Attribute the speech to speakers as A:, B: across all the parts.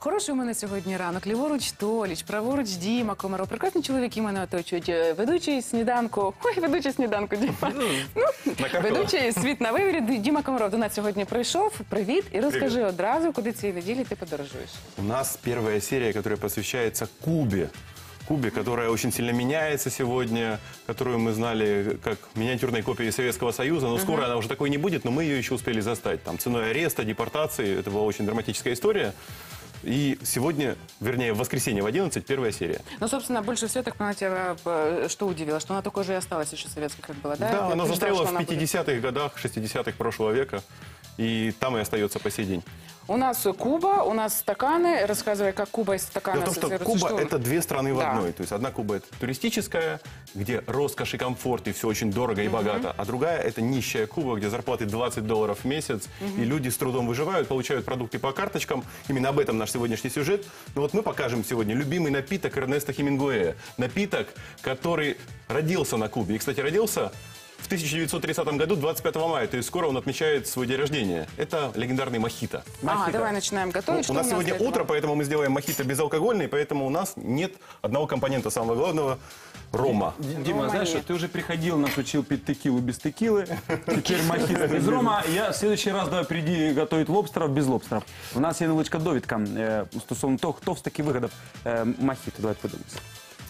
A: Хороший у мене сьогодні ранок. Ліворуч Толіч, праворуч Діма Комаров. Прекрасні чоловіки мене оточують. Ведучий сніданку. Ой, ведучий сніданку, Діма. Ведучий «Світ на виворі». Діма Комаров до нас сьогодні прийшов. Привіт. І розкажи одразу, куди цієї неділі ти подорожуєш.
B: У нас первая серия, которая посвящается Кубе. Кубе, которая очень сильно меняется сегодня, которую мы знали как миниатюрной копией Советского Союза, но скоро она уже такой не будет, но мы ее еще успели застать. Там ценой ареста, депортации, это была очень драматическая история. И сегодня, вернее, в воскресенье в 11, первая серия.
A: Ну, собственно, больше всего, так понимаю, тебя что удивило? Что она такой же и осталась еще советской, как была, да?
B: Да, она застряла в 50-х годах, 60-х прошлого века. И там и остается по сей день.
A: У нас Куба, у нас стаканы. Рассказывай, как Куба из стакана
B: Дело в том, что Куба – это две страны в одной. То есть одна Куба – это туристическая, где роскошь и комфорт, и все очень дорого и богато. А другая – это нищая Куба, где зарплаты $20 в месяц, и люди с трудом выживают, получают продукты по карточкам. Именно об этом наш сегодняшний сюжет. Но вот мы покажем сегодня любимый напиток Эрнеста Хемингуэя. Напиток, который родился на Кубе. И, кстати, родился в 1930 году, 25 мая, то есть скоро он отмечает свой день рождения. Это легендарный мохито.
A: Ага, давай начинаем готовить.
B: У нас сегодня утро, поэтому мы сделаем мохито безалкогольный, поэтому у нас нет одного компонента самого главного – рома.
C: Дима, знаешь, что ты уже приходил, нас учил пить текилу без текилы, теперь мохито без рома. Я в следующий раз давай приди готовить лобстеров без лобстеров. У нас є невеличка довідка стосовно того, хто все-таки вигадав мохито. Давай подивимося.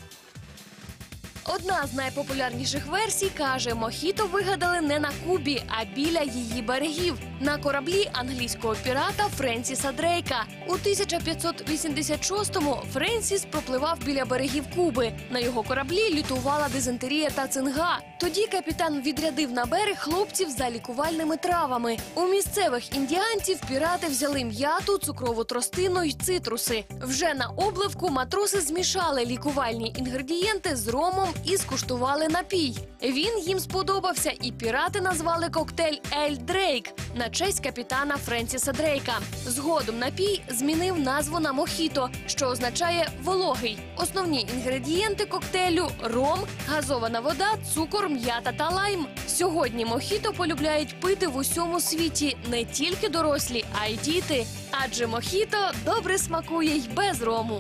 D: Одна з найпопулярніших версій каже, мохіто вигадали не на Кубі, а біля її берегів. На кораблі англійського пірата Френсіса Дрейка. У 1586-му Френсіс пропливав біля берегів Куби. На його кораблі лютувала дизентерія та цинга. Тоді капітан відрядив на берег хлопців за лікувальними травами. У місцевих індіанців пірати взяли м'яту, цукрову тростину й цитруси. Вже на обливку матроси змішали лікувальні інгредієнти з ромом і скуштували напій. Він їм сподобався, і пірати назвали коктейль «Ель Дрейк» на честь капітана Френсіса Дрейка. Згодом напій змінив назву на мохіто, що означає «вологий». Основні інгредієнти коктейлю – ром, газована вода, цукор, м'ята та лайм. Сьогодні мохіто полюбляють пити в усьому світі не тільки дорослі, а й діти. Адже мохіто добре смакує й без рому.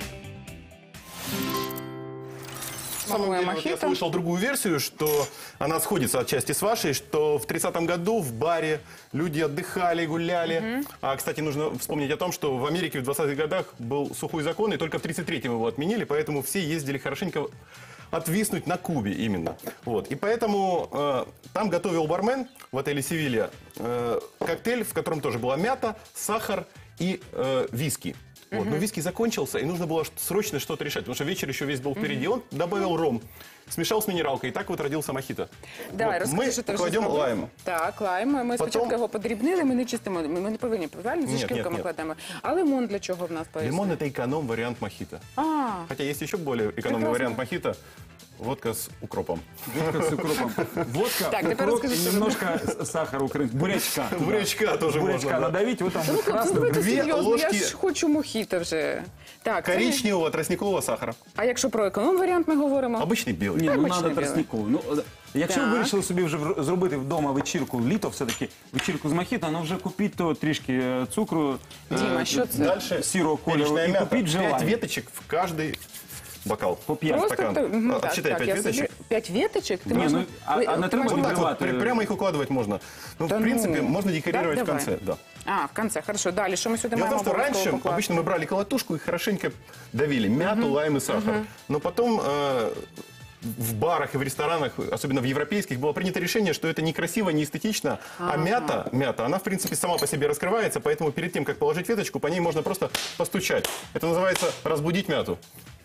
B: На самом деле, вот я слышал другую версию, что она сходится отчасти с вашей, что в 30-м году в баре люди отдыхали, гуляли. А, кстати, нужно вспомнить о том, что в Америке в 20-х годах был сухой закон, и только в 33-м его отменили, поэтому все ездили хорошенько отвиснуть на Кубе именно. Вот. И поэтому там готовил бармен в отеле «Севилья» коктейль, в котором тоже была мята, сахар и виски. Вот. Но виски закончился, и нужно было срочно что-то решать, потому что вечер еще весь был впереди. Он добавил ром, смешал с минералкой, и так вот родился мохито.
A: Давай,
B: Вот.
A: розкажи, що ти вже
B: кладем
A: зробив.
B: лайм.
A: Так, лайм. Ми спочатку його подрібнили, ми не чистимо, ми не повинні, правильно? Зі
B: Ні,
A: шкірками
B: ні.
A: кладемо. А лимон для чого в нас пояснив?
B: Лимон – это эконом-вариант мохито.
A: А,
B: Хотя есть еще более экономный
A: Прекрасно.
B: вариант мохито – водка с укропом.
C: Водка с укропом. Водка,
A: Так, теперь
C: укроп
A: расскажи,
C: и
A: что
C: немножко сахара украинского. Бурячка.
B: Бурячка тоже
C: Бурячка
B: можно, да.
C: надавить, вот там
A: ну,
C: вот
A: хлопці,
C: красный.
A: давайте
B: Дві
A: серйозно, я
B: ложки
A: ж хочу мохіто вже. Так, це-
B: Коричневого тростникового сахара.
A: А якщо про економ-варіант ми говоримо?
B: Обычный белый.
C: Ні, ну
A: Обичний
C: треба
A: білий.
C: тростникову. Ну, якщо ви
A: Так.
C: вирішили собі вже зробити вдома вечірку, літо все-таки, вечірку з мохіто, ну вже купіть то трішки цукру,
A: Діма, що це?
B: Дальше
C: сірого кольору
B: перечная
C: і
B: мята.
C: купіть же
B: 5
C: лайм.
B: веточек в каждый бокал.
C: По 5
A: Просто
B: стакан.
A: так, мгм,
B: Отсчитай
A: так,
B: 5
A: я
B: веточек.
A: собі- 5 веточек? Ти
C: Ні,
A: можна-
C: ну, а
A: Ви-
C: не
A: ти
C: треба
A: можна-
B: Вот так вот,
C: Открывать.
B: прямо их укладывать можно. Ну,
A: Да
B: в принципе,
A: ну.
B: можно декорировать
A: Так,
B: в
A: давай.
B: конце. Да.
A: А, в конце, хорошо. Далі, що ми сюди
B: Дело в
A: маємо
B: том, что раньше
A: обов'язково покласти?
B: обычно мы брали колотушку и хорошенько давили мяту, лайм и сахар. Но потом в барах и в ресторанах, особенно в европейских, было принято решение, что это некрасиво, не эстетично, а мята, она в принципе сама по себе раскрывается, поэтому перед тем, как положить веточку, по ней можно просто постучать. Это называется разбудить мяту.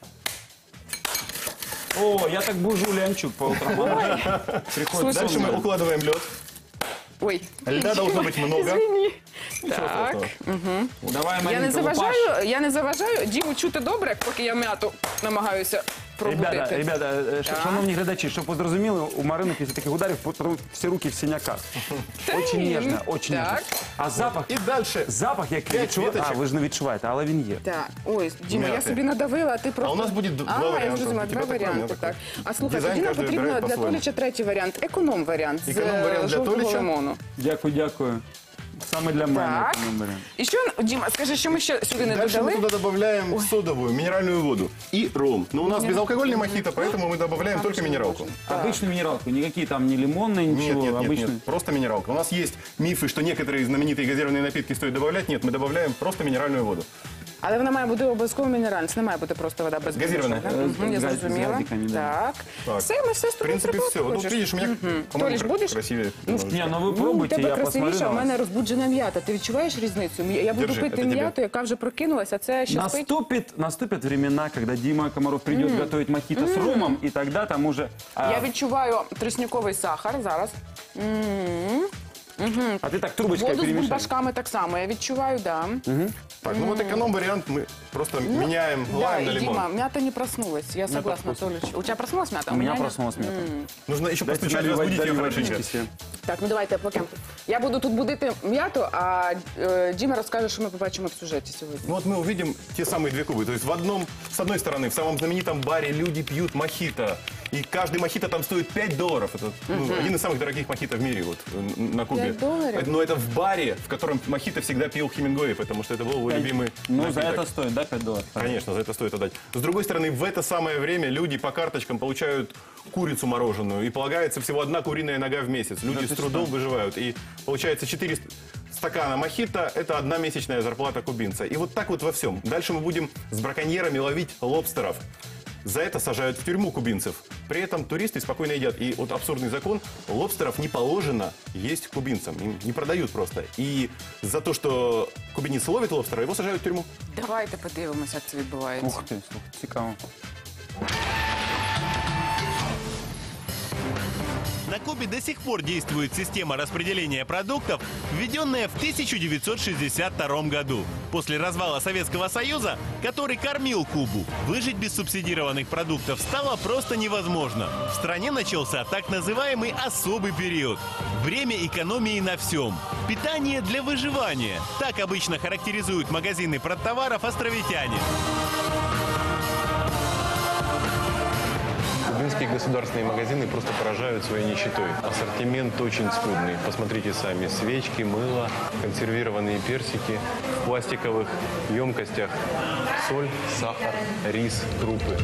C: О, я так бужу лянчук по утрам. Приходит
A: Слушай,
B: Дальше мы укладываем лед.
A: Ой.
B: Льда должно быть много.
A: Извини.
B: Ничего
A: Так.
B: страшного.
C: Давай,
A: Я не
C: Маринка, лупаш.
A: заважаю Діму чути добре, поки я м'яту намагаюся пробудити.
C: Ребята, шановні глядачі, щоб ви зрозуміли, у Марини після таких ударів всі руки в синяках. Очень ніжно, очень ніжно.
A: Так.
C: А запах,
B: И дальше.
C: запах який
B: П'ять
C: відчуваєте,
B: веточок.
C: ви ж не відчуваєте, але він є.
A: Так, ой, Діма, я
B: М'яти.
A: собі надавила, а ти просто...
B: у нас буде два
A: я
B: варіанти.
A: зрозуміла,
B: У
A: два
B: тебе такой, у
A: варіанти,
B: мене
A: так. А слухай,
B: Дизайн
A: тоді нам
B: кожен
A: потрібно
B: вибирає
A: для
B: по-своєму.
A: Толіча третій варіант. Економ-варіант з
B: Економ-варіант для
A: жовтого
B: Толіча.
A: лимону.
C: Дякую, дякую. Самый для меня
A: Так.
C: вариант.
A: І що, Діма, скажи, що ми ще сюди не
B: Дальше мы
A: додали?
B: туда добавляем содовую, минеральную воду и ром. Но у нас безалкогольный мохито, поэтому мы добавляем только минералку.
C: Обычную минералку, никакие там не лимонные,
B: Нет,
C: ничего,
B: нет, нет,
C: обычную.
B: нет, просто минералка. У нас есть мифы, что некоторые знаменитые газированные напитки стоит добавлять. Нет, мы добавляем просто минеральную воду.
A: Але вона має бути обов'язково мінеральна, це не має бути просто вода без
B: Газірована.
A: Я
C: З
A: зрозуміла.
C: газиками, да.
A: Так.
B: Так.
A: Все, ми все з
B: В
A: тобою
B: принципе, все. Вот тут видишь, у меня, по-моему,
A: Толиш, будешь?
B: красивее.
C: Не, ну вы
A: У
C: пробуйте,
A: тебе
C: я посмотрю
A: красивіша,
C: на
A: у
C: вас.
A: мене розбуджена м'ята. Ти відчуваєш різницю? Я буду
B: Держи,
A: пити
B: це тебе.
A: м'яту, яка вже прокинулася, а це ще спить.
C: Наступят времена, когда Дима Комаров придет готовить мохито с ромом, и тогда там уже...
A: Я відчуваю тростниковий сахар зараз.
C: А ты так трубочкой
A: Воду з
C: перемешай.
A: бульбашками так само, я відчуваю, да.
B: Так, ну вот эконом-вариант мы просто меняем
A: Да,
B: лайм на
A: и
B: лимон.
A: Дима, мята не проснулась, я согласна, Толич. У тебя проснулась мята?
C: У меня
A: нет?
C: проснулась мята.
B: Нужно еще
C: Дайте
B: постучать,
C: наливать,
B: разбудить ее
C: доливать
B: хорошенько.
C: водички себе.
A: Так, ну давайте поки. Я буду тут будити м'яту, а Діма розкаже, що ми побачимо в сюжеті сьогодні.
B: Ну вот мы увидим те самые две кубы. То есть с одной стороны, в самом знаменитом баре люди пьют мохито. И каждый мохито там стоит $5. Это один из самых дорогих мохито в мире вот, на Кубе.
A: $5?
B: Но это в баре, в котором мохито всегда пил Хемингуэй, потому что это был его любимый
C: Ну, за
B: напиток.
C: это стоит, да, $5?
B: Конечно, за это стоит отдать. С другой стороны, в это самое время люди по карточкам получают курицу мороженую. И полагается всего одна куриная нога в месяц. Люди с трудом выживают. И получается 4 стакана мохито – это одна месячная зарплата кубинца. И вот так вот во всем. Дальше мы будем с браконьерами ловить лобстеров. За это сажают в тюрьму кубинцев. При этом туристы спокойно едят. И вот абсурдный закон, лобстеров не положено есть кубинцам. Им не продают просто. И за то, что кубинец ловит лобстера, его сажают в тюрьму.
A: Давайте подивимося, як це відбувається.
C: Ух ты, слушай, цікаво.
E: На Кубе до сих пор действует система распределения продуктов, введенная в 1962 году. После развала Советского Союза, который кормил Кубу, выжить без субсидированных продуктов стало просто невозможно. В стране начался так называемый особый период. Время экономии на всем. Питание для выживания. Так обычно характеризуют магазины продтоваров островитяне.
F: Кубинские государственные магазины просто поражают своей нищетой. Ассортимент очень скудный. Посмотрите сами. Свечки, мыло, консервированные персики в пластиковых емкостях. Соль, сахар, рис, крупы.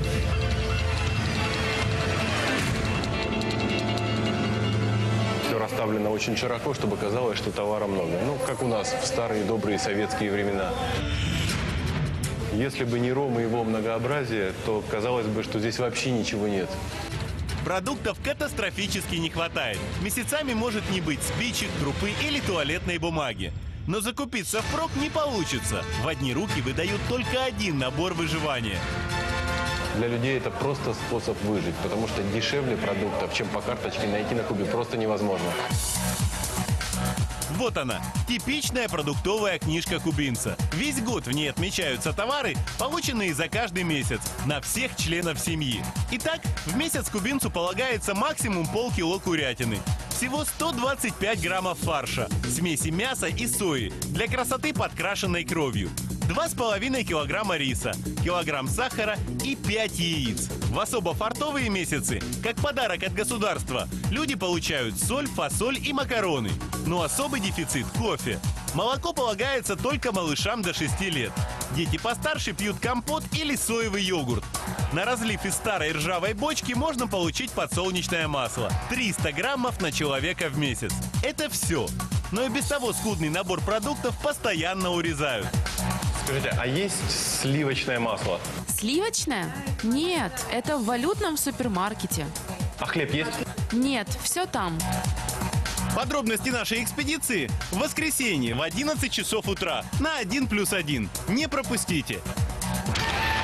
F: Все расставлено очень широко, чтобы казалось, что товара много. Ну, как у нас в старые добрые советские времена. Если бы не ром и его многообразие, то казалось бы, что здесь вообще ничего нет.
E: Продуктов катастрофически не хватает. Месяцами может не быть спичек, крупы или туалетной бумаги. Но закупиться впрок не получится. В одни руки выдают только один набор выживания.
F: Для людей это просто способ выжить, потому что дешевле продуктов, чем по карточке, найти на Кубе просто невозможно.
E: Вот она, типичная продуктовая книжка кубинца. Весь год в ней отмечаются товары, полученные за каждый месяц, на всех членов семьи. Итак, в месяц кубинцу полагается максимум полкило курятины. Всего 125 граммов фарша, смеси мяса и сои, для красоты подкрашенной кровью. 2,5 килограмма риса, килограмм сахара и 5 яиц. В особо фартовые месяцы, как подарок от государства, люди получают соль, фасоль и макароны. Но особый дефицит – кофе. Молоко полагается только малышам до 6 лет. Дети постарше пьют компот или соевый йогурт. На разлив из старой ржавой бочки можно получить подсолнечное масло. 300 граммов на человека в месяц. Это все. Но и без того скудный набор продуктов постоянно урезают.
F: Скажите, а есть сливочное масло?
G: Сливочное? Нет, это в валютном супермаркете.
F: А хлеб есть?
G: Нет, все там.
E: Подробности нашей экспедиции в воскресенье в 11 часов утра на 1+1. Не пропустите.